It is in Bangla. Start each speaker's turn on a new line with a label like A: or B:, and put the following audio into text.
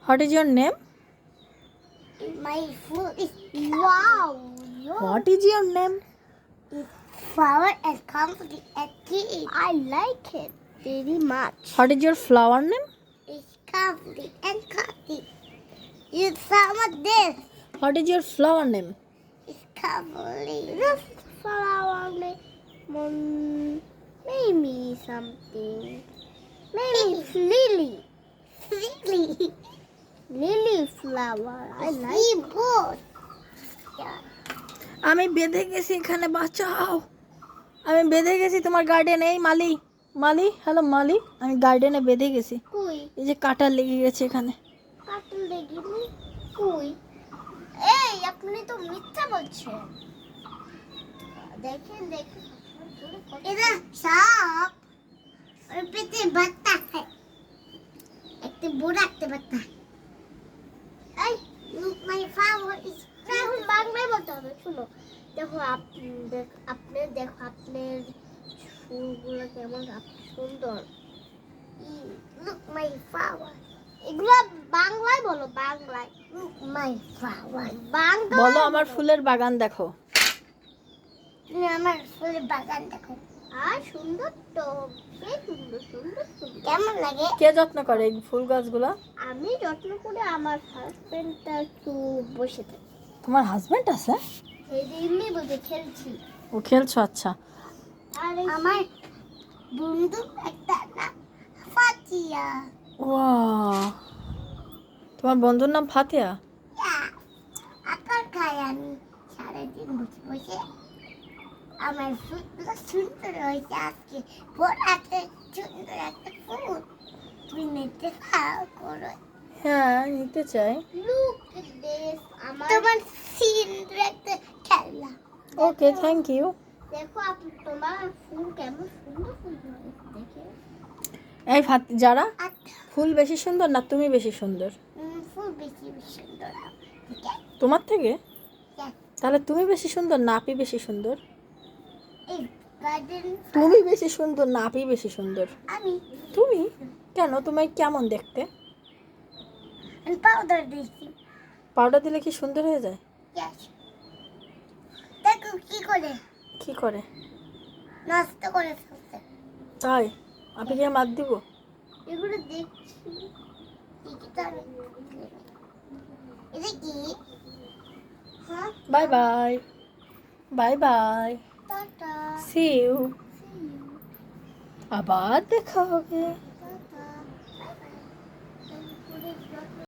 A: What is your name?
B: My food is wow.
A: What is your name?
B: It's flower and comfy and tea. I like it very much.
A: What is your flower name?
B: It's comfy and coffee. You some this.
A: What is your flower name?
B: It's comfy. This flower name, maybe something. Maybe it's lily. Lily. Lily flower. I like both. Yeah.
A: আমি বেঁধে গেছি এখানে, বাঁচাও। আমি বেঁধে গেছি তোমার গার্ডেনে। এই মালি, মালি, হ্যালো মালি, আমি গার্ডেনে বেঁধে গেছি।
B: কই?
A: এই যে কাঁটা লেগে গেছে এখানে।
B: কাটল দেখিনি। কই? এই আপনি তো মিথ্যা বলছেন। দেখেন দেখেন। এটা সাপ। ওর পেটে বাচ্চা আছে। একটা বুড়া একটা বাচ্চা। এই look my flower is এখন বাংলায় বলতে হবে শুনো। দেখো আপনি দেখো আপনার ফুলগুলো কেমন সুন্দর। Look my flower. এগুলো বাংলায় বলো, বাংলায়। Look my flower. বাংলা
A: বলো আমার ফুলের বাগান দেখো।
B: তুমি আমার ফুলের বাগান দেখো। আর সুন্দর তো, বেশ সুন্দর সুন্দর ফুল। কেমন লাগে?
A: কে যত্ন করে এই ফুল গাছগুলো?
B: আমি যত্ন করে, আমার হাজবেন্ডটা একটু বসে থাকে।
A: তোমার হাজবেন্ড আছে?
B: এই যে এমনি বলতে খেলছি।
A: ও খেলছো, আচ্ছা।
B: আর আমার বন্ধু একটা নাম ফাতিয়া।
A: ওয়াও, তোমার বন্ধুর নাম ফাতিয়া?
B: আকার খাই আমি সারাদিন বসে বসে। আমার ফুলগুলো সুন্দর হয়েছে আজকে। একটা সুন্দর একটা ফুল তুমি নিতে করো।
A: হ্যাঁ, নিতে চাই।
B: Look at this. তোমার সুন্দর একটা খেলনা।
A: Okay, thank you.
B: দেখো আপনি তোমার ফুল কেমন সুন্দর সুন্দর দেখে।
A: এই যারা
B: আচ্ছা,
A: ফুল বেশি সুন্দর না তুমি বেশি সুন্দর?
B: ফুল বেশি সুন্দর।
A: তোমার থেকে?
B: Yes.
A: তাহলে তুমি বেশি সুন্দর না আপি বেশি সুন্দর?
B: এই গার্ডেন
A: তুমি বেশি সুন্দর না আপি বেশি সুন্দর?
B: আমি
A: তুমি? কেন, তোমায় কেমন দেখতে?
B: পাউডার দিয়েছি।
A: পাউডার দিলে কি সুন্দর হয়ে যায়?
B: Yes. দেখো কি করে
A: কি করে?
B: নষ্ট করে ফেলছে।
A: তাই? আপিকে মার দিব?
B: এগুলো দেখছি এটা কি? হ্যাঁ,
A: bye bye, bye bye,
B: tata.
A: See you. আবার দেখা হবে।